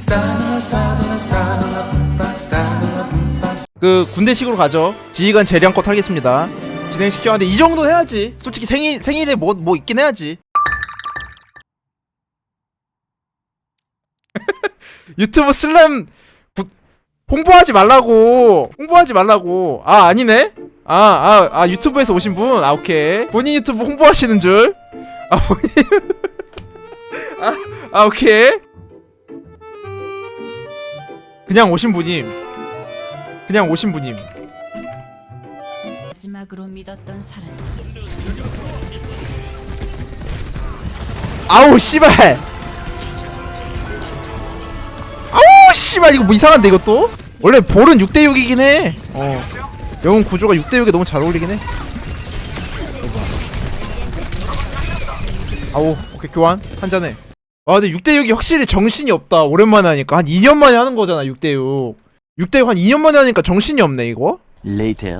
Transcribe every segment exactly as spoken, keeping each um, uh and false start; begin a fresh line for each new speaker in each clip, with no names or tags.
그 군대식으로 가죠. 지휘관 재량껏 하겠습니다. 진행시켜. 근데 이 정도 해야지. 솔직히 생일 생일에 뭐 뭐 있긴 해야지. 유튜브 슬램 부, 홍보하지 말라고. 홍보하지 말라고. 아 아니네. 아 아 아 유튜브에서 오신 분. 아 오케이. 본인 유튜브 홍보하시는 줄. 아 본인. 아, 아 오케이. 그냥 오신 분임. 그냥 오신 분임.
마지막으로 믿었던 사람.
아우 씨발. 아우 씨발 이거 뭐 이상한데 이것도? 원래 볼은 육 대 육이긴 해. 어. 영웅 구조가 육 대 육에 너무 잘 어울리긴 해. 아우 오케이 교환 한 잔에. 아 근데 육 대 육이 확실히 정신이 없다. 오랜만에 하니까 한 이 년 만에 하는 거잖아. 육 대 육. 육 대 육 한 이 년 만에 하니까 정신이 없네 이거.
Later.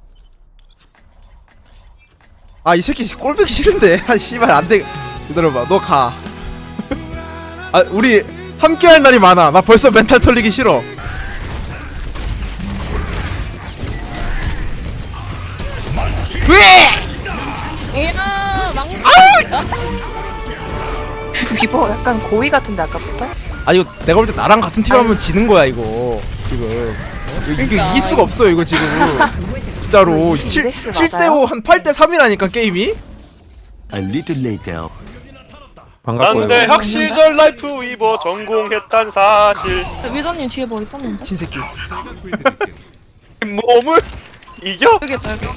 아 이 새끼 꼴보기 싫은데. 아 씨발 안돼. 기다려봐 너 가. 아 우리 함께할 날이 많아. 나 벌써 멘탈 털리기 싫어. 왜?
이야 망.
비버 약간 고의 같은데 아까부터?
아 이거 내가 볼 때 나랑 같은 팀 하면 지는 거야 이거 지금. 이거
그러니까.
이길 수가 없어 이거 지금. 진짜로 칠 대 오 한 팔 대 삼이라니까 게임이.
A little later.
난데 학시절 라이프 위버 전공했단 사실.
위더님 뒤에 뭐 있었는데?
미친 새끼.
몸을 이겨?
여기 있다 여기.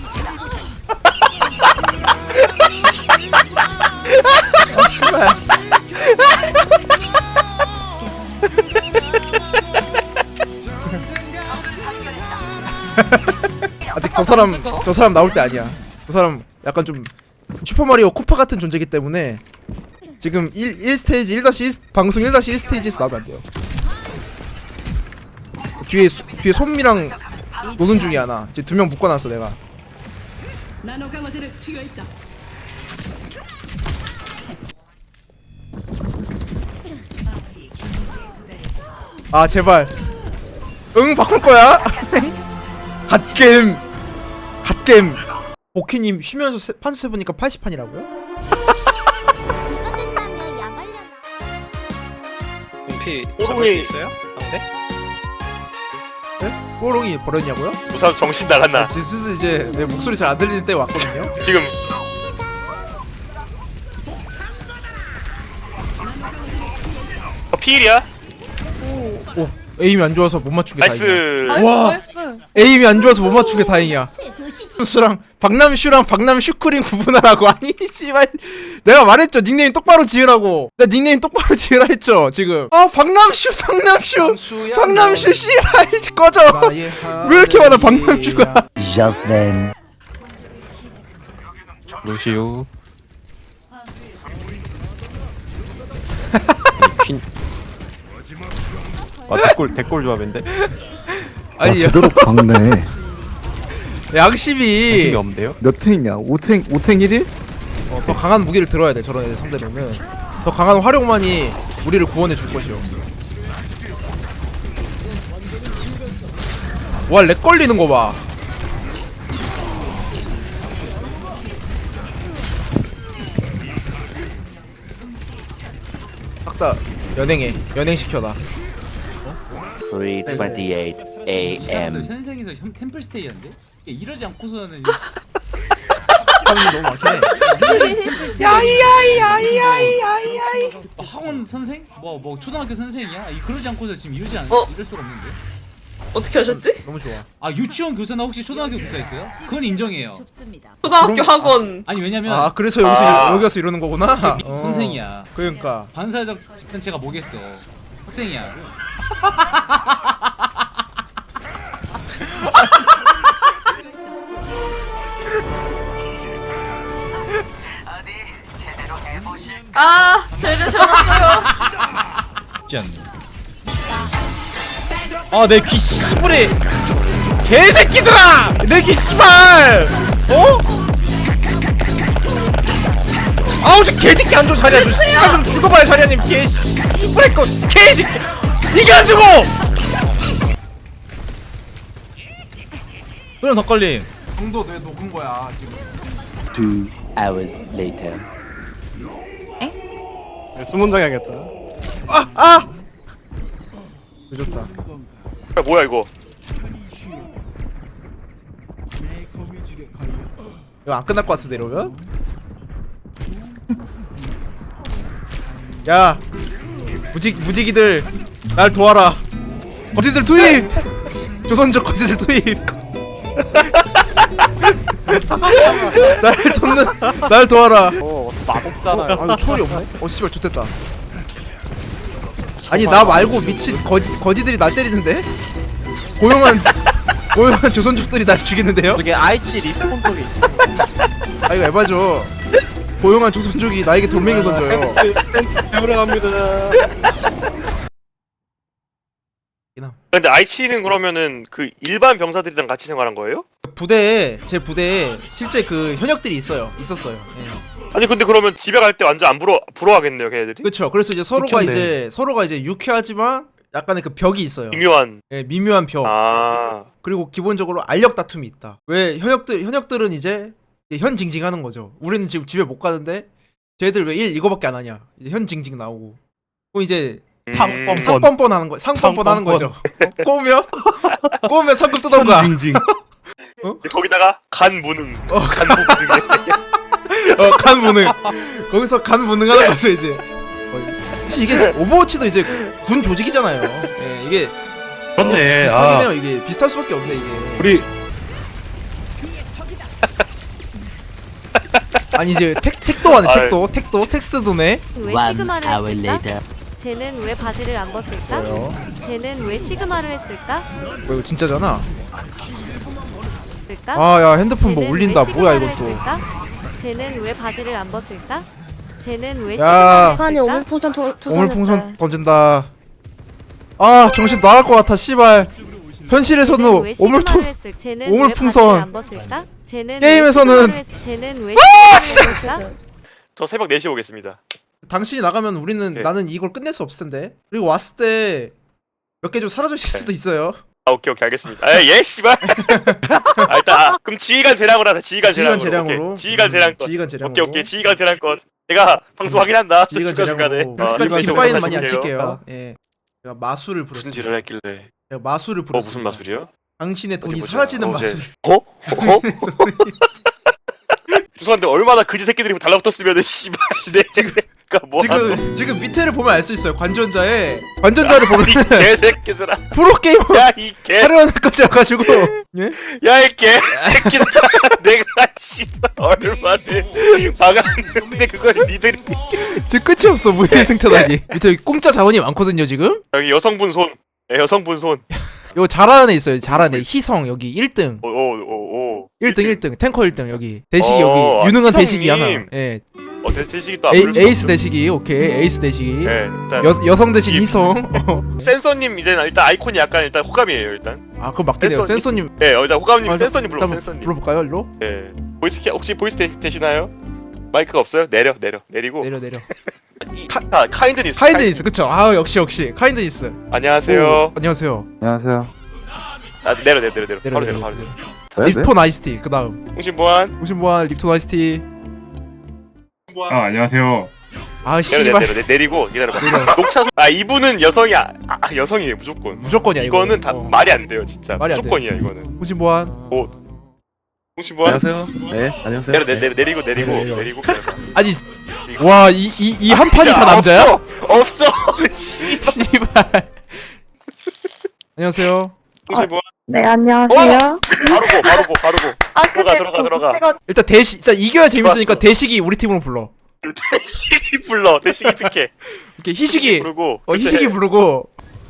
아 씨발. 아직 저 사람 저 사람 나올 때 아니야. 저 사람 약간 좀 슈퍼마리오 쿠파 같은 존재이기 때문에 지금 일, 일 스테이지 일 다시 일 방송 일 다시 일 스테이지에서 나오면 안 돼요. 뒤에 소, 뒤에 솜미랑 노는 중이야 나. 이제 두 명 묶어놨어 내가. 아 제발. 응 바꿀 거야. 갓겜. 갓겜. 오키님 쉬면서 세, 판수 세보니까 팔십 판이라고요?
피
오롱이.
잡을 수 있어요? 상대?
네? 뽀롱이 버렸냐고요?
우선 정신 나갔나?
아, 지금 슬슬 이제 내 목소리 잘 안 들리는 때가 왔거든요.
지금 어, 피일이야?
오 에임이 안 좋아서 못 맞춘 게 다행이야.
나이스.
와.
나이스.
에임이 안 좋아서 못 맞춘 게 다행이야. 수랑 박남슈랑 박남슈크림 구분하라고. 아니 씨발 내가 말했죠 닉네임 똑바로 지으라고. 나 닉네임 똑바로 지으라 했죠 지금. 아 박남슈 박남슈 박남슈 씨발 꺼져. 왜 이렇게 많아 박남슈가.
Just then.
루시우 퀸. 아 대골 대골 조합인데?
아니
제대로 박네.
양심이
관심이 없는데요?
몇 탱이냐? 오 탱, 오 탱 일 일?
어, 더 강한 무기를 들어야 돼 저런 애들 상대로는. 더 강한 화력만이 우리를 구원해 줄 것이오. 와 렉 걸리는 거 봐. 딱 다 연행해. 연행 시켜놔.
three twenty-eight A M.
현생에서 현 템플스테이였는데? 이러지 않고서는
하는 게 너무 많긴 해.
야이야이야이야이야이 학원 선생? 뭐 뭐 초등학교 선생이야? 이 그러지 않고서 지금 이러지 않
어?
이럴 수가 없는데.
어떻게 하셨지?
너무 좋아.
아 유치원 교사나 혹시 초등학교 교사 있어요? 그건 인정해요.
좁습니다.
초등학교
그럼-
학원.
아니 왜냐면
아 그래서 여기서
아.
여기 와서 이러는 거구나. 어.
선생이야.
그러니까.
반사적 집단체가 뭐겠어? 학생이야.
아, 쟤를 잡았어요.
쉽지 않네. 아 내 귀 씨부레 개새끼들아! 내 귀 씨발! 어? 아우 저 개새끼 안 좋은 자리야. 너 씨발 좀 죽어봐요 자리야님 개 씨. 브레이크 개새끼 이겨주고. 그럼 덧걸림. 정도 내 녹은 거야 지금.
Two hours later.
수문장 해야겠다.
아 아. 늦었다.
야, 뭐야 이거?
이거 안 끝날 것 같은데 이러면? 야 무직 무지기들 날 도와라. 거지들 투입. 조선족 거지들 투입. 날 돕는 날 도와라.
어, 마법잖아.
아 초월이 없네. 어 씨발 좋됐다. 아니 나 말고 미친 거지 거지들이 날 때리는데? 고용한 고용한 조선족들이 날 죽이는데요?
저게 아이치 리스폰 쪽에 있어.
아 이거 에바죠. 고용한 조선족이 나에게 돌멩이를 던져요.
들어갑니다.
근데 아이치는 그러면은 그 일반 병사들이랑 같이 생활한 거예요?
부대에 제 부대에 실제 그 현역들이 있어요. 있었어요. 예.
아니 근데 그러면 집에 갈 때 완전 안 부러 부러워하겠네요, 걔네들이.
그렇죠. 그래서 이제 서로가
미쳤네.
이제 서로가 이제 유쾌하지만 약간의 그 벽이 있어요.
미묘한.
예, 미묘한 벽.
아.
그리고 기본적으로 알력 다툼이 있다. 왜 현역들 현역들은 이제 현징징하는 거죠. 우리는 지금 집에 못 가는데 쟤들 왜 일 이거밖에 안 하냐. 이제 현징징 나오고. 그럼 이제
음.
상뻔뻔 하는 거. 상뻔뻔 하는 거죠. 어, 꼬우면 꼬우면 상급 뜯던가.
징징.
거기다가 간 무능.
어,
간 무능.
어, 간 무능. 거기서 간 무능하는 거죠 이제. 어, 사실 이게 오버워치도 이제 군 조직이잖아요. 예, 이게
그렇네.
비슷하긴 해요. 이게 비슷할 수밖에 없네 이게.
우리
아니 이제 택 택도 하네.
아유.
택도 택도 텍스트도네.
왜
One
시그마를
hour
했을까?
later.
쟤는 왜 바지를 안 벗을까?
뭐요?
쟤는 왜 시그마를 했을까?
뭐 이거 진짜잖아.
했을까?
아 야 핸드폰 뭐
쟤는
울린다.
왜
뭐야
시그마를
이것도.
했을까? 쟤는 왜 바지를 안 벗을까? 쟤는 왜
야.
시그마를
아니
했을까?
오물풍선 두, 두
오물풍선 던진다. 아 정신 나갈 것 같아. 씨발.
쟤는
현실에서는
왜 시그마를
오물풍
했을- 쟤는
오물풍선.
왜 바지를 안 벗을까? 쟤는
게임에서는-
왜 시그마를 했- 쟤는 왜 시그마를 했을까?
저 새벽 네 시에 오겠습니다.
당신이 나가면 우리는
네.
나는 이걸 끝낼 수 없을 텐데. 그리고 왔을 때 몇 개 좀 사라져 있을 수도 있어요.
아 오케이 오케이 알겠습니다. 아, 예 씨발. 아, 일단 아, 그럼 지휘관 재량으로 하자. 지휘관
지휘관
재량으로.
재량으로.
오케이. 지휘관 재량
음,
것.
지휘관 재량으로.
오케이 오케이 지휘관 재량 것. 제가 방송 확인한다.
지휘관
중간 중간에.
재량으로.
아,
그렇게까지
이렇게
뒷바이는 많이
정도
안
사실이에요.
칠게요. 예. 제가 마술을
무슨
부렸습니다.
짓을 했길래?
제가 마술을
어
부렸습니다.
무슨 마술이요?
당신의 돈이
어디 보자.
사라지는
어, 제-
마술.
어? 어? 죄송한데 얼마나 그지 새끼들이 달라붙었으면은 씨발 내가 뭐
지금 지금 밑에를 보면 알 수 있어요. 관전자에 관전자를 보면
이 개새끼들아.
프로게이머
야이 개.
하려는 것까지 와가지고 예?
야이 개새끼들아. 내가 씨발 얼마나 박았는데 그걸 니들이
지금 끝이 없어. 무예 생차다니. 밑에 여기 공짜 자원이 많거든요 지금.
여기 여성분 손. 예, 여성분 손.
이거 잘하는 애 있어요. 잘하는 애. 희성 여기 일 등.
오오오오.
일 등 일 등 탱커 일 등 여기 대식이
어,
여기 유능한
희성님.
대식이 하나. 예.
어 대- 대식이 또
에이,
앞을
에이스 대식이 오케이 에이스 대식이.
예, 일단
여 여성 대식
이-
희성. 어.
센서님 이제 일단 아이콘이 약간 일단 호감이에요 일단.
아 그거 맞긴 해요.
센서님.
센서님.
예, 어, 일단 호감님
아,
센서님 불러
일단
센서님.
불러볼까요 일로?
예. 보이스 키 혹시 보이스 되, 되시나요? 마이크가 없어요? 내려 내려 내리고.
내려 내려.
이, 카, 아, 카인드니스.
카인드니스 그쵸? 아 역시 역시 카인드니스.
안녕하세요.
오, 안녕하세요.
안녕하세요.
아 내려 내려 내려 내려.
내려
바로
내려
내려 바로
내려.
내려.
네, 네?
립톤 아이스티 그 다음.
홍신보안.
오신보안 립톤 아이스티.
아 안녕하세요.
아
내려 내려
씨발
내려 내- 내리고 기다려봐.
내려.
녹차 소... 아 이분은 여성이 아, 아 여성이에요 무조건.
무조건이야
이거는
이거는.
다
어.
말이 안 돼요 진짜.
말이 안
무조건이야 이거는.
오신보안.
홍신보안.
네, 안녕하세요.
내려 내려 내려 내리고 내리고
내려, 내려.
내리고 기다려봐.
아니 와 이 이 이 한 판이
야,
다 남자야?
없어. 없어. 씨.
씨발. 안녕하세요.
홍신보안.
네 안녕하세요.
바로 고 바로 고 바로 고.
아
들어가 들어가 들어가.
일단 대시 일단 이겨야 재밌으니까
좋았어.
대식이 우리 팀으로 불러.
대식이 불러. 대식이 피케.
이렇게 희식이
부르고.
어 희식이 부르고.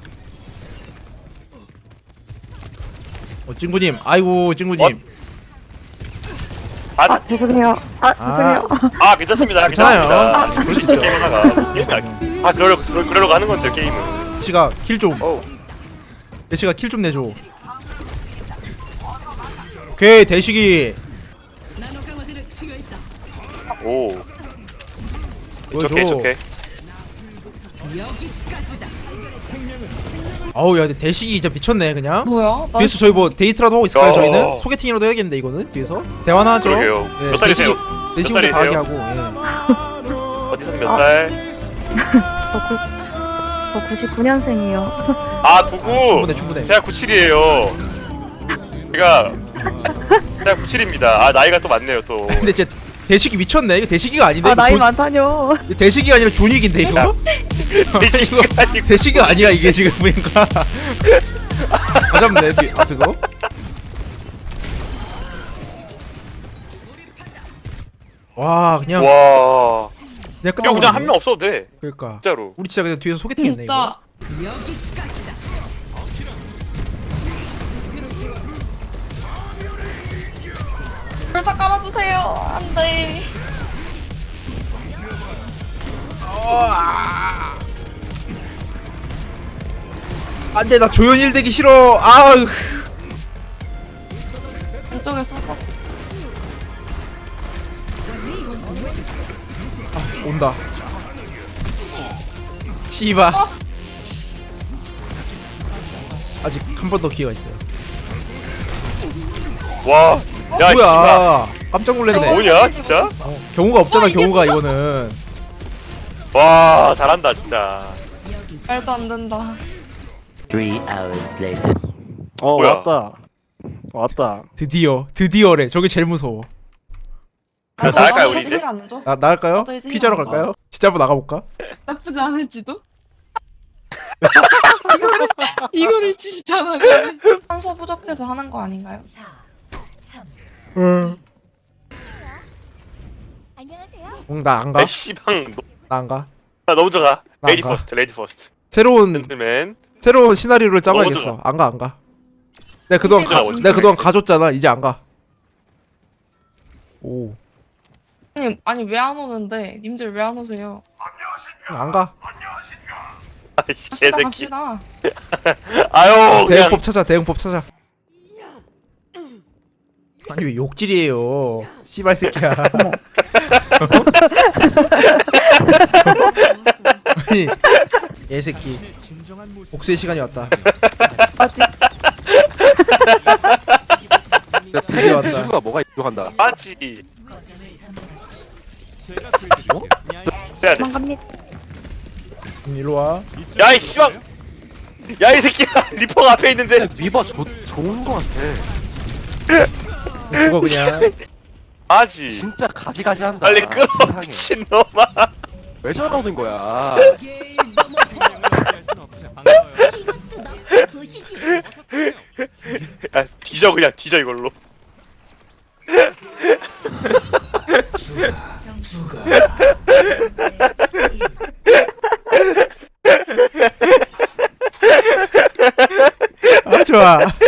어 찡구님 아이고 찡구님.
아,
아 죄송해요. 아 죄송해요.
아 괜찮습니다.
괜찮아요.
괜찮습니다.
그럴 수 있죠.
게임 하나가. 아 그러려고 그러- 그러려고 하는 건데 게임은.
대시가 킬 좀.
어우.
대시가 킬 좀 내줘. 오케이 대식이.
오.
보여줘.
오케이 오케이.
어우 야 근데 대식이 진짜 미쳤네 그냥.
뭐야? 나
뒤에서 저희 뭐 데이트라도 하고 있을까요
어.
저희는? 소개팅이라도 해야겠는데 이거는 뒤에서 대화나 하죠.
그러게요. 몇 살이세요?
대식이부터
몇
강하게
살이세요?
하고. 예.
어디서 몇 살?
저, 구, 저 구십구 년생이요.
아 구구.
충분해 충분해.
제가 구칠이에요. 제가 제가 구칠입니다. 아 나이가 또 많네요 또.
근데 진짜 대식이 미쳤네. 이거 대식이가 아닌데.
아,
이거
나이
존-
많다뇨.
이거 대식이가 아니라 존익인데 이거?
대식이가 아니고.
대식이가 아니야 이게 지금 보니까. 다 잡네 뒤 앞에서. 와 그냥
와.
그냥
이거 그냥 한
끝나버리네.
명 없어도 돼.
그러니까
진짜로.
우리 진짜 그냥 뒤에서 소개팅했네 이거.
진짜 불사 깔아주세요. 안돼.
안돼 나 조연일 되기 싫어. 아으.
왼쪽에 쏘고.
온다. 씨바. 아직 한 번 더 기회가 있어요.
와. 야 씨발.
뭐야? 깜짝 놀랐네.
뭐냐 진짜?
어, 경우가 없잖아 경우가 이거는.
와 잘한다 진짜.
말도 안 된다.
Three hours later.
어
뭐야?
왔다. 왔다.
드디어 드디어래. 저게 제일 무서워.
자, 나갈까요 우리 이제?
안 줘.
나 나갈까요?
나도 이제
피자로
해야
갈까요? 진짜 한번 나가볼까?
나쁘지 않을지도. 이거를 진짜 나가네. 산소 부족해서 하는 거 아닌가요?
응. 응나안 가?
아 씨방.
나 안 가?
나 너무 좋아.
나
레이디
안 가.
퍼스트. 레이디 퍼스트.
새로운
젠틀맨.
새로운 시나리오를 짜봐야겠어.
너무
안 가 안 가. 내가 그동안 가,
좋아,
내가 그동안 가줬잖아. 이제 안 가. 오.
아니 아니 왜 안 오는데? 님들 왜 안 오세요?
안 가.
아이씨
갑시다
개새끼.
갑시다.
아유 그냥.
대응법 찾아. 대응법 찾아. 아니 왜 욕질이에요? 씨발 새끼야. 아니 얘 새끼. 복수의 시간이 왔다. 드디어 왔다.
친구가 뭐가 이상한다.
맞지. 해야 돼.
도망갑니다.
음, 일로 와.
야이 씨방. 야이 새끼야. 리퍼가 앞에 있는데.
미버 조, 좋은 거 같아.
죽어 그냥.
맞지.
진짜 가지가지한다.
빨리 끌어
세상에.
미친놈아.
왜 저러는 거야?
야 뒤져 그냥 뒤져 이걸로.
아 좋아.